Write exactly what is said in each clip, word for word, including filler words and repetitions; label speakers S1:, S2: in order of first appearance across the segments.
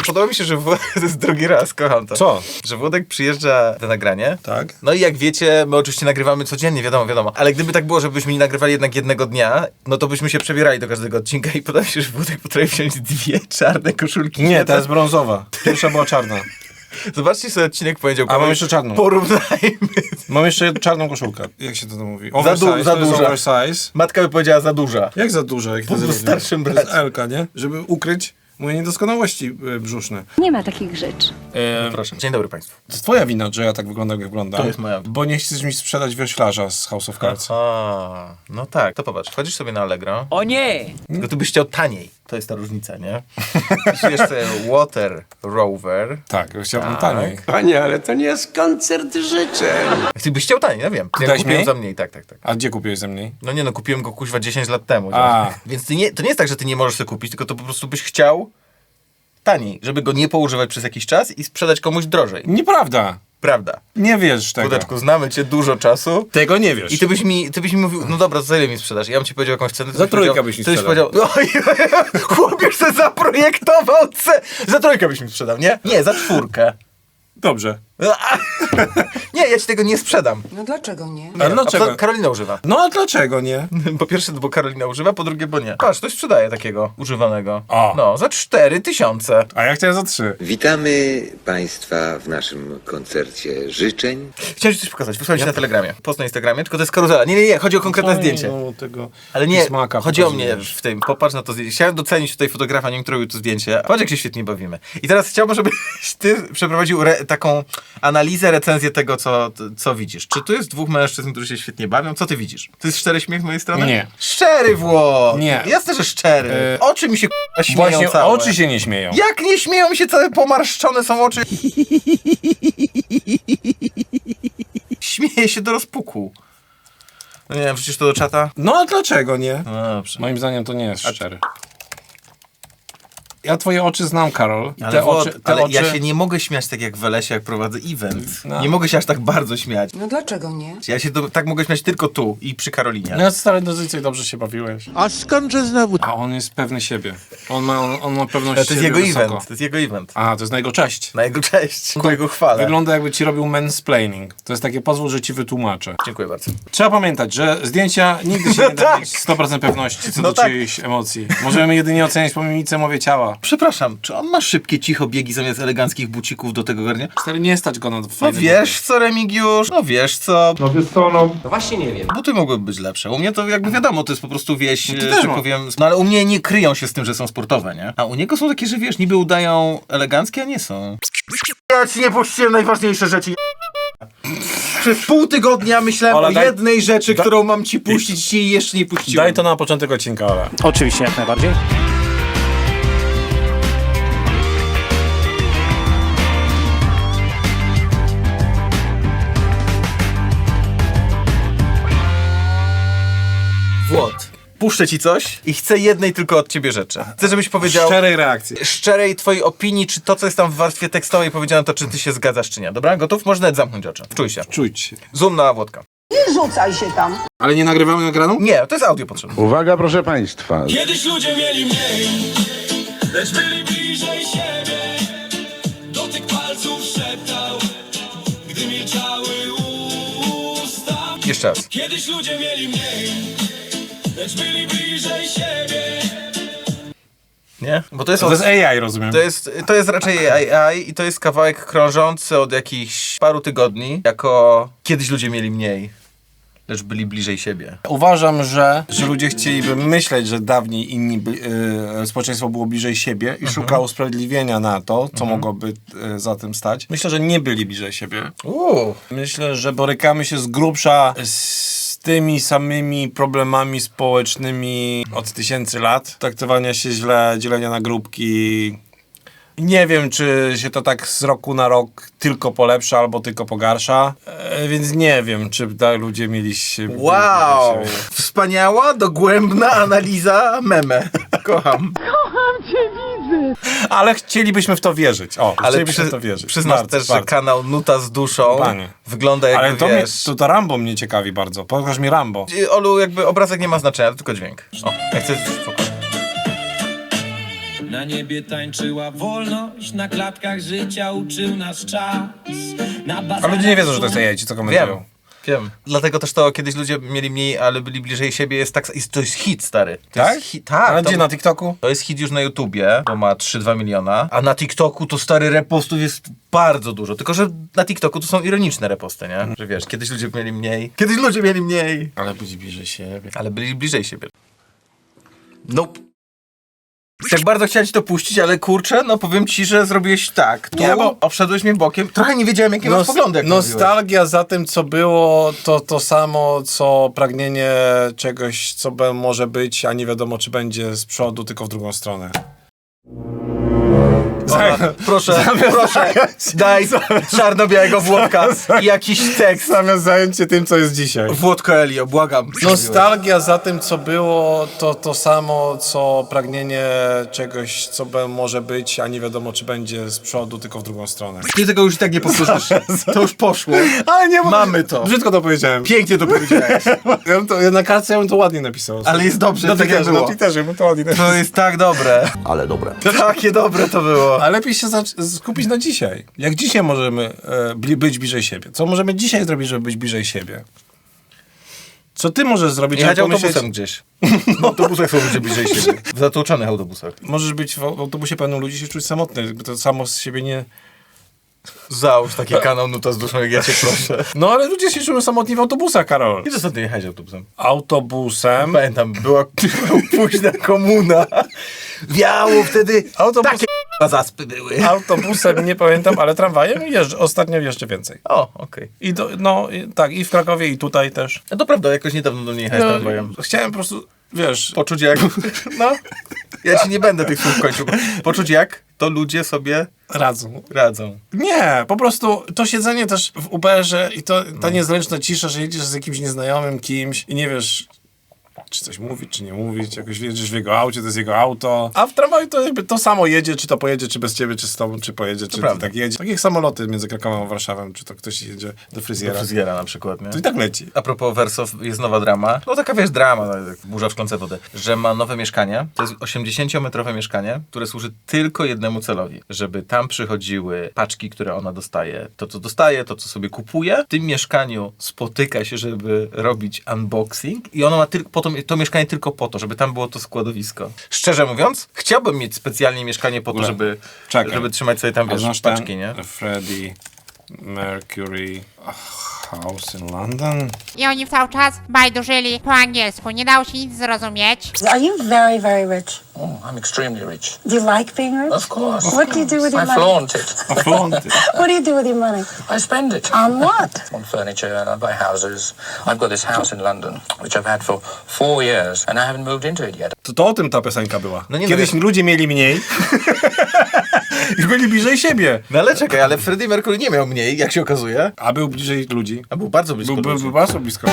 S1: podoba mi się, że Włodek, to jest drugi raz, kocham to.
S2: Co?
S1: Że Włodek przyjeżdża na nagranie.
S2: Tak.
S1: No i jak wiecie, my oczywiście nagrywamy codziennie, wiadomo, wiadomo. Ale gdyby tak było, żebyśmy nie nagrywali jednak jednego dnia, no to byśmy się przebierali do każdego odcinka i podoba mi się, że Włodek potrafi wziąć dwie czarne koszulki.
S2: Nie, ta jest brązowa. Pierwsza była czarna.
S1: Zobaczcie sobie odcinek poniedziałkowy.
S2: A mam jeszcze czarną.
S1: Porównajmy.
S2: Mam jeszcze czarną koszulkę. Jak się to mówi?
S1: Za,
S2: Oversize,
S1: du- za
S2: to jest
S1: duża.
S2: Oversize.
S1: Matka by powiedziała za duża.
S2: Jak za duża? Jak
S1: Po
S2: to
S1: prostu
S2: zrobiłem?
S1: starszym
S2: To
S1: bracie.
S2: jest Elka, nie? Żeby ukryć moje niedoskonałości y, brzuszne.
S3: Nie ma takich rzeczy.
S2: E,
S1: Proszę. Dzień dobry Państwu.
S2: to jest twoja wina, że ja tak wyglądam, jak wyglądam.
S1: To jest moja wina.
S2: Bo nie chcesz mi sprzedać wioślarza z House of Cards.
S1: A, no tak. To popatrz, wchodzisz sobie na Allegro.
S4: O nie!
S1: Tylko tu byś chciał taniej. To jest ta różnica, nie? Piszesz sobie Water Rover.
S2: Tak, chciałbym
S1: Tak.
S2: taniej.
S5: Panie, ale to nie jest koncert życzeń.
S1: Ty byś chciał taniej, ja wiem. Ja
S2: Dałeś
S1: kupiłem
S2: mniej?
S1: za mniej, tak, tak, tak.
S2: A gdzie kupiłeś ze mniej?
S1: No nie no, kupiłem go kuźwa dziesięć lat temu.
S2: A.
S1: Więc ty nie, to nie jest tak, że ty nie możesz sobie kupić, tylko to po prostu byś chciał taniej, żeby go nie poużywać przez jakiś czas i sprzedać komuś drożej.
S2: Nieprawda.
S1: Prawda.
S2: Nie wiesz tego.
S1: Wódeczku, znamy cię dużo czasu.
S2: Tego nie wiesz.
S1: I ty byś mi, ty byś mi mówił, no dobra, za ile mi sprzedasz? Ja bym ci powiedział jakąś cenę. ty
S2: Za
S1: byś
S2: trójkę
S1: powiedział-
S2: byś mi
S1: ty byś
S2: sprzedał.
S1: powiedział, oj, chłop już se zaprojektował cenę. Za trójkę byś mi sprzedał, nie? Nie, za czwórkę.
S2: Dobrze.
S1: Nie, ja ci tego nie sprzedam.
S3: No dlaczego nie?
S2: A dlaczego?
S1: A po- Karolina używa.
S2: No a dlaczego nie?
S1: Po pierwsze, bo Karolina używa, po drugie, bo nie. Patrz, ktoś sprzedaje takiego używanego.
S2: O.
S1: No, za cztery tysiące.
S2: A ja chciałem za trzy.
S6: Witamy Państwa w naszym koncercie życzeń.
S1: Chciałem ci coś pokazać, wysłałem ci na Telegramie. Post na Instagramie, tylko to jest karuzela. Nie, nie, nie, chodzi o konkretne zdjęcie.
S2: No, tego
S1: Ale nie,
S2: smaka
S1: chodzi o mnie
S2: pokazujesz.
S1: w tym. Popatrz na to zdjęcie. Chciałem docenić tutaj fotografa, nie wiem, który robił to zdjęcie. Patrz, jak się świetnie bawimy. I teraz chciałbym, żebyś ty przeprowadził re- taką analizę, recenzję tego, co, co widzisz. Czy tu jest dwóch mężczyzn, którzy się świetnie bawią? Co ty widzisz? To jest szczery śmiech z mojej strony?
S2: Nie.
S1: Szczery, Włod!
S2: Nie.
S1: Jasne, że szczery.
S2: E,
S1: Oczy mi się k***a śmieją
S2: Właśnie
S1: całe.
S2: oczy się nie śmieją.
S1: Jak nie śmieją mi się, całe pomarszczone są oczy. Śmieje się do rozpuku. No nie wiem, wrzucisz to do czata?
S2: No a dlaczego nie?
S1: No dobrze.
S2: Moim zdaniem to nie jest szczery. Ja twoje oczy znam, Karol. I
S1: Ale,
S2: te
S1: Włod,
S2: oczy, te
S1: ale
S2: oczy...
S1: ja się nie mogę śmiać tak jak w Elesie, jak prowadzę event.
S2: No.
S1: Nie mogę się aż tak bardzo śmiać.
S3: No dlaczego nie?
S1: Ja się do, tak mogę śmiać tylko tu i przy Karolinie.
S2: No stary, dosyć dobrze się bawiłeś.
S5: A skądże znowu?
S2: A on jest pewny siebie. On ma, on, on ma pewność
S1: Ale to jest
S2: siebie
S1: jego
S2: wysoko.
S1: event. To jest jego event.
S2: A, to jest na jego cześć.
S1: Na jego cześć. Ku jego chwale.
S2: Wygląda jakby ci robił mansplaining. To jest takie, pozwól, że ci wytłumaczę.
S1: Dziękuję bardzo.
S2: Trzeba pamiętać, że zdjęcia nigdy się nie da
S1: tak.
S2: mieć sto procent pewności co
S1: No
S2: do
S1: tak.
S2: czyichś emocji. Możemy jedynie oceniać po mimice mowie ciała.
S1: Przepraszam, czy on ma szybkie, cicho biegi zamiast eleganckich bucików do tego garnia?
S2: Stary, nie stać go na
S1: No
S2: fajne
S1: wiesz co, Remigiusz? No wiesz co?
S5: No wiesz co, no...
S4: No właśnie nie wiem.
S1: Buty mogłyby być lepsze. U mnie to jakby wiadomo, to jest po prostu wieś,
S2: No
S1: no
S2: ty też
S1: że
S2: ma.
S1: powiem. No ale u mnie nie kryją się z tym, że są sportowe, nie? A u niego są takie, że wiesz, niby udają eleganckie, a nie są. Ja ci nie puściłem najważniejsze rzeczy. Przez pół tygodnia myślałem
S2: Ola,
S1: o
S2: daj-
S1: jednej rzeczy,
S2: da-
S1: którą mam ci puścić i jeszcze nie puściłem.
S2: Daj to na początek odcinka, ale.
S4: Oczywiście, jak najbardziej.
S1: Włod. Puszczę ci coś i chcę jednej tylko od ciebie rzeczy. Chcę, żebyś powiedział
S2: Szczerej reakcji.
S1: szczerej twojej opinii, czy to, co jest tam w warstwie tekstowej powiedziane, to czy ty się zgadzasz, czy nie. Dobra? Gotów? Można nawet zamknąć oczy. Czuj się.
S2: Czujcie się.
S1: Zoom na Włodka.
S3: Rzucaj się tam.
S2: Ale nie nagrywamy nagraną?
S1: Nie, to jest audio potrzebne.
S7: Uwaga, proszę Państwa.
S8: Kiedyś ludzie mieli mniej, lecz byli bliżej siebie. Dotyk palców szeptał, gdy milczały usta.
S1: Jeszcze raz.
S8: Kiedyś ludzie mieli mniej, lecz byli bliżej siebie.
S1: Nie? Bo to jest,
S2: To
S1: od...
S2: jest A I, rozumiem.
S1: to jest, to jest raczej A I i to jest kawałek krążący od jakichś paru tygodni, jako kiedyś ludzie mieli mniej, lecz byli bliżej siebie.
S2: Uważam, że, że ludzie chcieliby myśleć, że dawniej inni by, y, społeczeństwo było bliżej siebie i
S1: Mhm.
S2: szukało usprawiedliwienia na to, co mogłoby y, za tym stać. Myślę, że nie byli bliżej siebie.
S1: Uuu.
S2: Myślę, że borykamy się z grubsza z tymi samymi problemami społecznymi od tysięcy lat. Traktowania się źle, dzielenia na grupki. Nie wiem, czy się to tak z roku na rok tylko polepsza albo tylko pogarsza, e, więc nie wiem, czy tak ludzie mieli się...
S1: Wow! Wspaniała, dogłębna analiza meme. Kocham.
S2: Ale chcielibyśmy w to wierzyć. O,
S1: Ale
S2: chcielibyśmy
S1: przy,
S2: w to wierzyć.
S1: przyznasz
S2: Bardzo,
S1: też, że
S2: bardzo.
S1: kanał Nuta z duszą
S2: Panie.
S1: wygląda jakby,
S2: Ale to, mnie,
S1: wiesz...
S2: to, to Rambo mnie ciekawi bardzo. Pokaż mi Rambo.
S1: Olu, jakby obrazek nie ma znaczenia, tylko dźwięk. O, jak chcesz... spoko.
S8: Na niebie tańczyła wolność, na klatkach życia uczył nas czas. Na
S2: A ludzie nie wiedzą, że to jest A I, ci co komentują.
S1: Wiem, wiem. Dlatego też to kiedyś ludzie mieli mniej, ale byli bliżej siebie, jest tak, jest, to jest hit, stary. To
S2: Tak?
S1: Jest hit, tak.
S2: Ale
S1: to,
S2: gdzie, na TikToku?
S1: to jest hit już na YouTubie, to ma trzy dwa miliona, a na TikToku to stary repostów jest bardzo dużo, tylko że na TikToku to są ironiczne reposty, nie? Że wiesz, kiedyś ludzie mieli mniej, kiedyś ludzie mieli mniej,
S2: Ale byli bliżej siebie.
S1: ale byli bliżej siebie. Nope. Tak bardzo chciałem ci to puścić, ale kurczę, no powiem ci, że zrobiłeś tak. Tu
S2: Nie, bo-
S1: obszedłeś mnie bokiem. Trochę nie wiedziałem, jakie masz poglądy, jak to mówiłeś.
S2: Nostalgia za tym, co było, to to samo, co pragnienie czegoś, co be, może być, a nie wiadomo, czy będzie z przodu, tylko w drugą stronę.
S1: Dobra, proszę, proszę, daj czarno-białego Włodka i jakiś tekst.
S2: Zamiast zająć się tym, co jest dzisiaj.
S1: Włodko Elio, błagam.
S2: Nostalgia za tym, co było, to to samo, co pragnienie czegoś, co be, może być, a nie wiadomo, czy będzie z przodu, tylko w drugą stronę.
S1: Ty tego już i tak nie powtórzysz. To już poszło.
S2: Ale nie, bo
S1: Mamy to.
S2: Brzydko to powiedziałem.
S1: Pięknie to powiedziałeś.
S2: Ja bym to, ja na kartce ja bym to ładnie napisał.
S1: Ale jest dobrze,
S2: na
S1: tak jak
S2: Twitterze, na
S1: było.
S2: Twitterze bym to ładnie napisał.
S1: To jest tak dobre.
S5: Ale dobre.
S1: Takie dobre to było.
S2: Ale lepiej się zac- skupić na dzisiaj. Jak dzisiaj możemy e, bli- być bliżej siebie? Co możemy dzisiaj zrobić, żeby być bliżej siebie? Co ty możesz zrobić,
S1: Jechać
S2: żeby pomyśleć...
S1: autobusem gdzieś. W autobusach są ludzie bliżej siebie. W zatłoczonych autobusach.
S2: Możesz być w autobusie pełnym ludzi się czuć samotny. Jakby to samo z siebie nie...
S1: Załóż taki kanał Nuta z duszą, jak ja cię proszę.
S2: No ale ludzie się czują samotni w autobusach, Karol.
S1: Kiedy ostatnio jechałeś autobusem?
S2: Autobusem...
S1: Pamiętam, była późna komuna. Wiało wtedy.
S2: Autobus...
S1: Takie k***a zaspy były.
S2: Autobusem nie pamiętam, ale tramwajem jeżdżę. Ostatnio jeszcze więcej.
S1: O, okej.
S2: I do, no i, tak, i w Krakowie, i tutaj też.
S1: No to prawda, jakoś niedawno do mnie jechałeś tramwajem.
S2: Chciałem po prostu, wiesz...
S1: Poczuć jak... No, ja ci nie będę tych słów kończył. Poczuć jak to ludzie sobie
S2: Radzą.
S1: radzą.
S2: Nie, po prostu to siedzenie też w Uberze i to, ta niezręczna cisza, że jedziesz z jakimś nieznajomym kimś i nie wiesz, czy coś mówić, czy nie mówić, jakoś jedziesz w jego aucie, to jest jego auto, a w tramwaju to jakby to samo jedzie, czy to pojedzie, czy bez ciebie, czy z tobą, czy pojedzie, czy to
S1: prawda.
S2: tak jedzie. Tak jak samoloty między Krakowem a Warszawą, czy to ktoś jedzie do
S1: Do
S2: fryzjera,
S1: fryzjera na przykład, nie?
S2: to i tak leci.
S1: A propos Wersow, jest nowa drama. No taka wiesz, drama, no, jak burza w szklance wody. Że ma nowe mieszkanie. To jest osiemdziesięciometrowe mieszkanie, które służy tylko jednemu celowi. Żeby tam przychodziły paczki, które ona dostaje. To, co dostaje, to, co sobie kupuje. W tym mieszkaniu spotyka się, żeby robić unboxing. I ona ma tylko, to, to mieszkanie tylko po to, żeby tam było to składowisko. Szczerze mówiąc, chciałbym mieć specjalnie mieszkanie po to,
S2: ogóle,
S1: żeby,
S2: czekaj.
S1: żeby trzymać sobie tam,
S2: A
S1: wiesz,
S2: znasz
S1: paczki,
S2: ten
S1: nie?
S2: Freddie Mercury House in London?
S4: I oni cały czas bajdurzyli po angielsku, nie dało się nic zrozumieć.
S7: Are you very, very rich?
S9: Oh, I'm extremely rich.
S7: Do you like being rich?
S9: Of course.
S7: What do you do with your
S9: I
S7: money?
S9: flaunt it.
S2: A flaunt it.
S7: What do you do with your money?
S9: I spend it.
S7: On what?
S9: On furniture and I buy houses. I've got this house in London, which I've had for four years, and I haven't moved into it yet.
S2: To, to o tym ta piosenka była.
S1: No nie, no
S2: Kiedyś
S1: wiesz-
S2: ludzie mieli mniej i byli bliżej siebie.
S1: No ale czekaj, ale Freddie Mercury nie miał mniej, jak się okazuje.
S2: A był bliżej ludzi.
S1: A był bardzo blisko
S2: Był, był,
S1: ludzi.
S2: był bardzo blisko.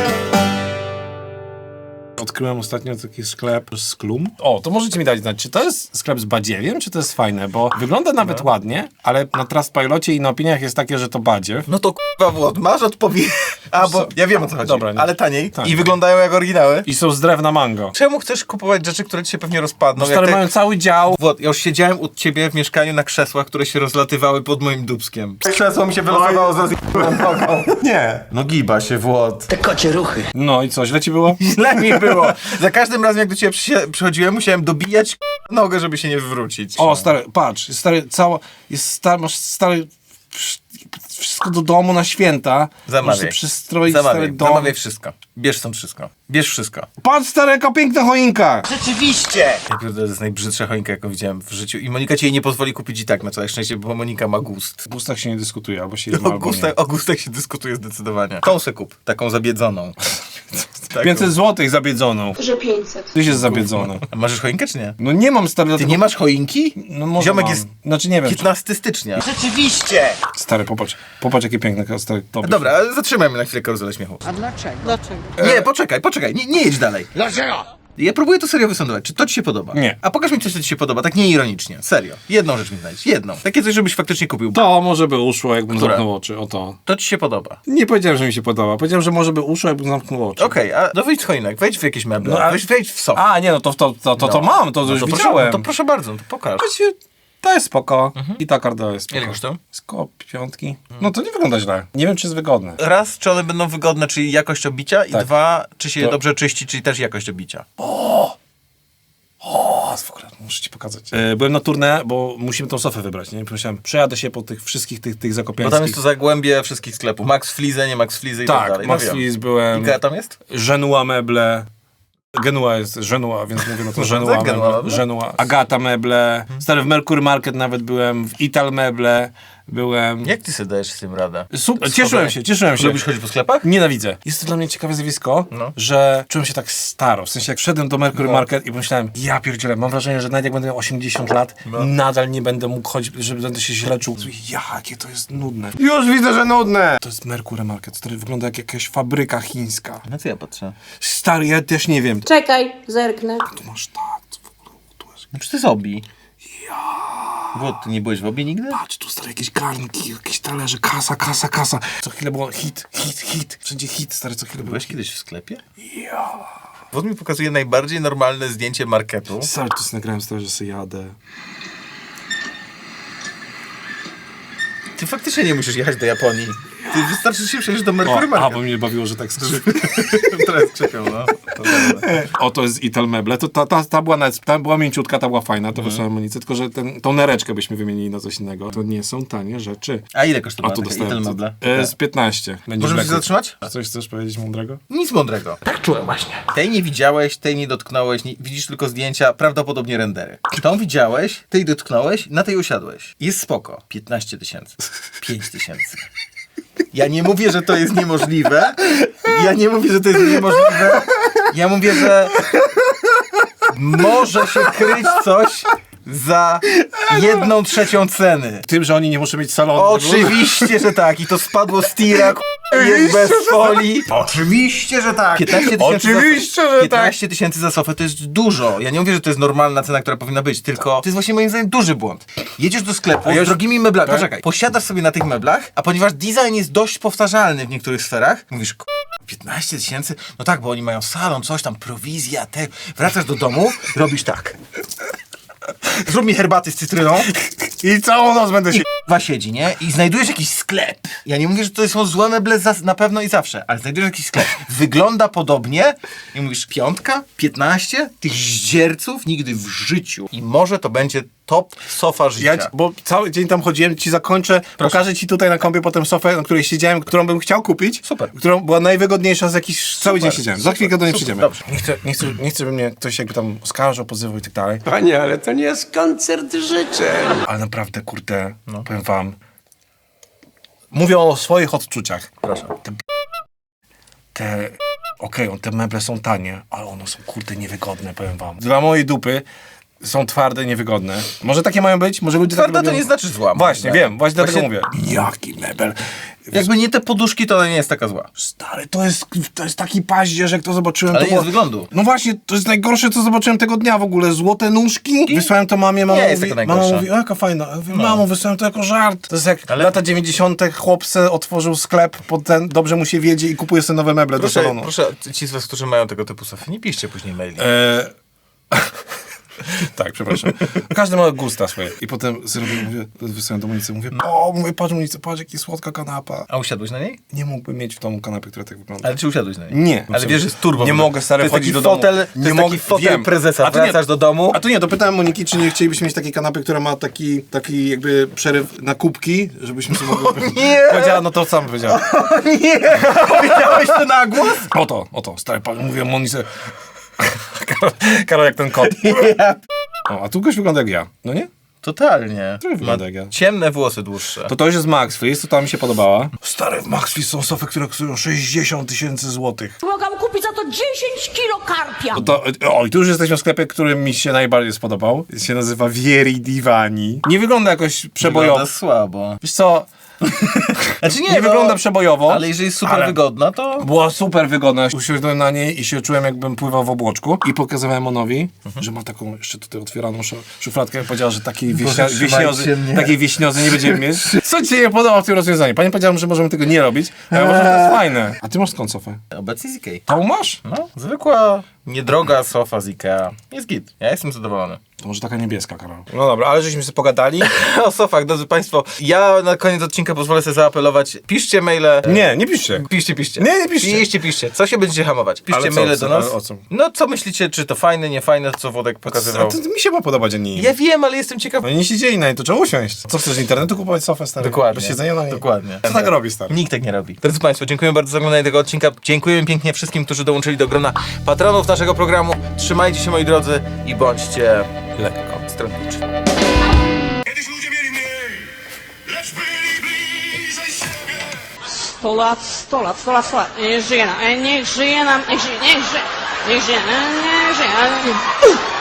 S2: Odkryłem ostatnio taki sklep z Klum. O, to możecie mi dać znać, czy to jest sklep z badziewiem, czy to jest fajne, bo wygląda nawet ładnie, ale na Trustpilocie i na opiniach jest takie, że to badziew.
S1: No to k***a Włod, masz odpowiedź. A, bo ja wiem o co chodzi,
S2: Dobra, nie.
S1: ale taniej.
S2: Tak.
S1: I wyglądają jak oryginały.
S2: I są z drewna mango.
S1: Czemu chcesz kupować rzeczy, które ci się pewnie rozpadną?
S2: No, stary,
S1: Jak te-
S2: mają cały dział.
S1: Włod, ja już siedziałem u ciebie w mieszkaniu na krzesłach, które się rozlatywały pod moim dubskiem. Krzesło mi się wylosowało z nogą.
S2: Nie.
S1: No giba się, Włod.
S2: No i co, źle ci było?
S1: Źle mi było. Za każdym razem, jak do ciebie przysie- przychodziłem, musiałem dobijać k***a nogę, żeby się nie wywrócić.
S2: O, stary, patrz, jest stary, cała, jest stary, masz stary, wszystko do domu na święta. Możesz
S1: Zamawiaj.
S2: sobie przystroić stary
S1: Zamawiaj,
S2: dom.
S1: zamawiaj wszystko. Bierz stąd wszystko. Bierz wszystko.
S2: Patrz, stary, jaka piękna choinka!
S1: Ja pierdolę, to jest najbrzydsza choinka, jaką widziałem w życiu. I Monika ci jej nie pozwoli kupić i tak, na całe szczęście, bo Monika ma gust.
S2: W gustach się nie dyskutuje, albo się jedno,
S1: O
S2: albo
S1: gustach,
S2: nie.
S1: o gustach się dyskutuje zdecydowanie. Tą se kup, taką zabiedzoną. Taką.
S2: pięćset złotych zabiedzoną.
S3: Że pięćset.
S2: Tyś jest zabiedzony.
S1: A masz choinkę czy nie?
S2: No nie mam, stary,
S1: Ty
S2: dlatego...
S1: nie masz choinki?
S2: No może
S1: Ziomek
S2: mam.
S1: jest
S2: Znaczy nie wiem. Czy...
S1: piętnastego stycznia.
S2: Stary, popatrz, popatrz jakie piękne, stary, tobie.
S1: Dobra, ale zatrzymajmy na chwilę karuzelę śmiechu.
S3: A dlaczego?
S1: Nie, poczekaj, poczekaj, nie, nie jedź dalej.
S5: Dlaczego?
S1: Ja próbuję to serio wysądować. Czy to ci się podoba?
S2: Nie.
S1: A pokaż mi coś, co ci się podoba, tak nieironicznie. Serio. Jedną rzecz mi znajdź. Jedną. Takie coś, żebyś faktycznie kupił. To,
S2: To może by uszło, jakbym
S1: Które?
S2: zamknął oczy. O to.
S1: to ci się podoba.
S2: Nie powiedziałem, że mi się podoba. Powiedziałem, że może by uszło, jakbym zamknął oczy.
S1: Okej, a no wejdź w choinek, wejdź w jakieś meble,
S2: No, a-
S1: wejdź, wejdź w sofę.
S2: A, nie, no to to, to, to, to
S1: No.
S2: mam, to
S1: No
S2: już
S1: to proszę,
S2: widziałem.
S1: no to proszę bardzo, no to pokaż.
S2: Właściwie to jest spoko. I ta karta jest spoko.
S1: Ile kosztują?
S2: Z koło piątki. No to nie wygląda źle. Nie wiem, czy jest wygodne.
S1: Raz, czy one będą wygodne, czyli jakość obicia i
S2: Tak.
S1: dwa, czy się je
S2: To-
S1: dobrze czyści, czyli też jakość obicia.
S2: O, w ogóle, muszę ci pokazać. E, byłem na turnę, bo musimy tą sofę wybrać, nie? Pomyślałem, przejadę się po tych wszystkich tych, tych
S1: Bo
S2: zakopiańskich.
S1: tam jest to zagłębie wszystkich sklepów. Max Flize, nie Max Flize i tak,
S2: Tak,
S1: dalej.
S2: Max
S1: no wiem.
S2: Flis byłem.
S1: Ikea tam jest?
S2: Genua meble. Genua jest Genua, więc mówię no to Genua
S1: tak, Genua
S2: meble.
S1: meble?
S2: Genua. Agata meble. Stary, w Mercury Market nawet byłem, w Ital meble byłem.
S1: Jak ty sobie dajesz z tym radę?
S2: Super, cieszyłem się, cieszyłem się.
S1: Lubisz chodzić po sklepach?
S2: Nienawidzę. Jest to dla mnie ciekawe zjawisko,
S1: No.
S2: że czułem się tak staro. W sensie jak wszedłem do Mercury
S1: No.
S2: Market i pomyślałem, ja pierdzielę, mam wrażenie, że nawet jak będę miał osiemdziesiąt lat,
S1: No.
S2: nadal nie będę mógł chodzić, że będę się źle czuł. Jakie to jest nudne. Już widzę, że nudne! To jest Mercury Market, który wygląda jak jakaś fabryka chińska.
S1: No co ja patrzę?
S2: Stary, ja też nie wiem.
S7: Czekaj, zerknę.
S2: Tu masz tak, co w ogóle, tu jest...
S1: No czy to jest obi? Bo ty nie byłeś w obie nigdy?
S2: Patrz, tu stary, jakieś garnki, jakieś talerze, kasa, kasa, kasa. Co chwilę było hit, hit, hit. Wszędzie hit, stary, co chwilę było.
S1: Byłeś kiedyś w sklepie? Ja. Wód mi pokazuje najbardziej normalne zdjęcie marketu.
S2: Stary, tu sobie nagrałem, stary, że sobie jadę.
S1: Ty faktycznie nie musisz jechać do Japonii. Ty wystarczy, że się przejdziesz do Mercury
S2: O, a,
S1: Market.
S2: bo mnie bawiło, że tak skrzyp.
S1: Teraz krzypią, no. To dobra.
S2: O, to jest Ital meble. To, ta, ta, ta, była nawet, ta była mięciutka, ta była fajna, to wysłałem amunicję, tylko że ten, tą nereczkę byśmy wymienili na coś innego. To nie są tanie rzeczy.
S1: A ile
S2: A
S1: kosztowała
S2: tu
S1: taka
S2: dostałem
S1: Ital meble?
S2: e, z piętnaście. Będzie
S1: Możemy
S2: w
S1: się
S2: leku.
S1: zatrzymać?
S2: A coś chcesz powiedzieć mądrego?
S1: Nic mądrego. Tak czułem właśnie. Tej nie widziałeś, tej nie dotknąłeś, nie, widzisz tylko zdjęcia, prawdopodobnie rendery. Tą widziałeś, tej dotknąłeś, na tej usiadłeś. Jest spoko. piętnaście tysięcy. pięć tysięcy. Ja nie mówię, że to jest niemożliwe. Ja nie mówię, że to jest niemożliwe. Ja mówię, że może się kryć coś za jedną trzecią ceny.
S2: Tym, że oni nie muszą mieć salonu.
S1: Oczywiście, że tak. I to spadło z tira, k***, jest bez folii. Oczywiście, że tak. piętnaście tysięcy
S2: Oczywiście,
S1: za,
S2: że
S1: piętnaście tysięcy za sofę to jest dużo. Ja nie mówię, że to jest normalna cena, która powinna być, tylko to jest właśnie moim zdaniem duży błąd. Jedziesz do sklepu z drogimi meblami. Poczekaj, posiadasz sobie na tych meblach, a ponieważ design jest dość powtarzalny w niektórych sferach, mówisz, k***, piętnaście tysięcy? No tak, bo oni mają salon, coś tam, prowizja, te. Wracasz do domu, robisz tak. Zrób mi herbaty z cytryną.
S2: I całą noc będę się...
S1: Dwa siedzi, nie? I znajdujesz jakiś sklep. Ja nie mówię, że to są złe meble za, na pewno i zawsze, ale znajdujesz jakiś sklep. Wygląda podobnie i mówisz piątka, piętnaście, tych zdzierców nigdy w życiu. I może to będzie top sofa życia.
S2: Ja, ci- bo cały dzień tam chodziłem, ci zakończę, pokażę ci tutaj na kompie potem sofę, na której siedziałem, którą bym chciał kupić.
S1: Super.
S2: Którą była najwygodniejsza z jakichś... Cały dzień siedziałem. Za
S1: super,
S2: chwilkę do niej
S1: super,
S2: przyjdziemy.
S1: dobrze.
S2: Nie chcę, nie, chcę, nie chcę, żeby mnie ktoś jakby tam oskarżał, pozywał i tak dalej.
S5: Panie, ale to nie jest koncert życzeń.
S2: Ale naprawdę, kurde, powiem wam. Mówię o swoich odczuciach.
S1: Proszę.
S2: Te... te Okej, okay, te meble są tanie, ale one są, kurde, niewygodne, powiem wam. Dla mojej dupy są twarde, niewygodne. Może takie mają być? Może ludzie
S1: Twarda
S2: tak
S1: to
S2: robią?
S1: nie znaczy zła. moim
S2: Właśnie,
S1: zdaniem.
S2: wiem, właśnie dlatego
S1: Właśnie-
S2: mówię. Jaki mebel?
S1: Jakby nie te poduszki, to ona nie jest taka zła.
S2: Stary, to jest, to jest taki paździerz, jak to zobaczyłem.
S1: Ale
S2: to
S1: nie
S2: było...
S1: z wyglądu.
S2: No właśnie, to jest najgorsze, co zobaczyłem tego dnia w ogóle. Złote nóżki. Wysłałem to mamie, mama
S1: Nie jest
S2: mówi,
S1: taka
S2: mama
S1: najgorsza.
S2: mówi, o jaka fajna. Ja mówię, mamo, wysłałem to jako żart. To jest jak
S1: Ale-
S2: lata dziewięćdziesiąte chłopce otworzył sklep pod ten, dobrze mu się wiedzie i kupuje sobie nowe meble do
S1: Proszę,
S2: salonu.
S1: proszę, ci z was, którzy mają tego typu sofy, nie piszcie później maili.
S2: E... tak, przepraszam. Każdy ma gusta swoje. I potem zrobię, mówię, wysłałem do Monicy, mówię, o, mówię, patrz Monicy, patrz, jaki słodka kanapa.
S1: A usiadłeś na niej?
S2: Nie mógłbym mieć w domu kanapy, która tak wygląda.
S1: Ale czy usiadłeś na niej?
S2: Nie.
S1: Ale wiesz, że jest turbo.
S2: Nie mogę, stary,
S1: To jest
S2: chodzić
S1: taki
S2: do
S1: fotel,
S2: domu.
S1: to jest taki fotel
S2: wiem.
S1: prezesa.
S2: A tu nie-
S1: Wracasz do domu.
S2: A tu nie, dopytałem Moniki, czy nie chcielibyśmy mieć takiej kanapy, która ma taki, taki jakby przeryw na kubki, żebyśmy sobie mogli...
S1: nie!
S2: Powiedziała, no to sam powiedziała.
S1: Nie! Powiedziałeś to na głos?
S2: Oto, oto, stary pan, mówię Monice. Karol, Karol jak ten kot. O, a tu goś wygląda jak ja, no nie?
S1: Totalnie.
S2: Trochę wygląda jak ja.
S1: Ciemne włosy dłuższe.
S2: To to już jest Max Fleece, to ta mi się podobała. Stary, w Max Fleece są sofy, które kosztują sześćdziesiąt tysięcy złotych.
S7: Mogłam kupić za to dziesięć kilo karpia.
S2: No to, o, i tu już jesteśmy w sklepie, który mi się najbardziej spodobał. Się nazywa Vieri Divani. Nie wygląda jakoś przebojowo.
S1: Wygląda słabo.
S2: Wiesz co,
S1: Znaczy nie,
S2: Nie
S1: no,
S2: wygląda przebojowo.
S1: Ale jeżeli jest super
S2: ale-
S1: wygodna, to...
S2: Była super wygodna. Usiadłem na niej i się czułem, jakbym pływał w obłoczku. I pokazywałem Onowi,
S1: Mhm.
S2: że ma taką jeszcze tutaj otwieraną szu- szufladkę. Powiedziała, że takiej,
S1: Boże,
S2: wieśnia,
S1: trzymajcie
S2: wieśniozy,
S1: mnie.
S2: takiej wieśniozy nie będziemy mieć. Co ci się nie podoba w tym rozwiązaniu? Pani powiedziała, że możemy tego nie robić, ale może to jest fajne. A ty masz skąd sofę?
S1: Obecnie z Ikei.
S2: Tą masz?
S1: No, zwykła, niedroga sofa z Ikea. Jest git. Ja jestem zadowolony.
S2: To może taka niebieska, Karol. No dobra, ale żeśmy sobie pogadali.
S1: O sofach, drodzy Państwo, ja na koniec odcinka pozwolę sobie zaapelować. Piszcie maile.
S2: Nie, nie piszcie.
S1: Piszcie, piszcie.
S2: Nie, nie piszcie.
S1: Piszcie, piszcie. Co się będziecie hamować? Piszcie
S2: Ale co,
S1: maile
S2: co,
S1: do nas.
S2: ale o co?
S1: No, co myślicie, czy to fajne, nie fajne, co Wodek
S2: A
S1: pokazywał?
S2: to, to mi się ma podobać, a nie im.
S1: Ja wiem, ale jestem ciekaw.
S2: No nie siedzieli na niej, to trzeba usiąść. Co chcesz z internetu kupować sofę, stary?
S1: Dokładnie.
S2: Bez siedzenia na niej?
S1: Dokładnie.
S2: Co tak robi, stary?
S1: Nikt tak nie robi. Drodzy Państwo, dziękuję bardzo za oglądanie tego odcinka. Dziękuję pięknie wszystkim, którzy dołączyli do grona patronów naszego programu. Trzymajcie się, moi drodzy, i bądźcie lekko stronniczni.
S10: Kiedyś ludzie mieli mniej, lecz byli bliżej siebie.
S7: sto lat, sto lat, sto lat, sto lat. Niech żyje nam, niech żyje nam, niech żyje, niech żyje, niech żyje, niech żyje.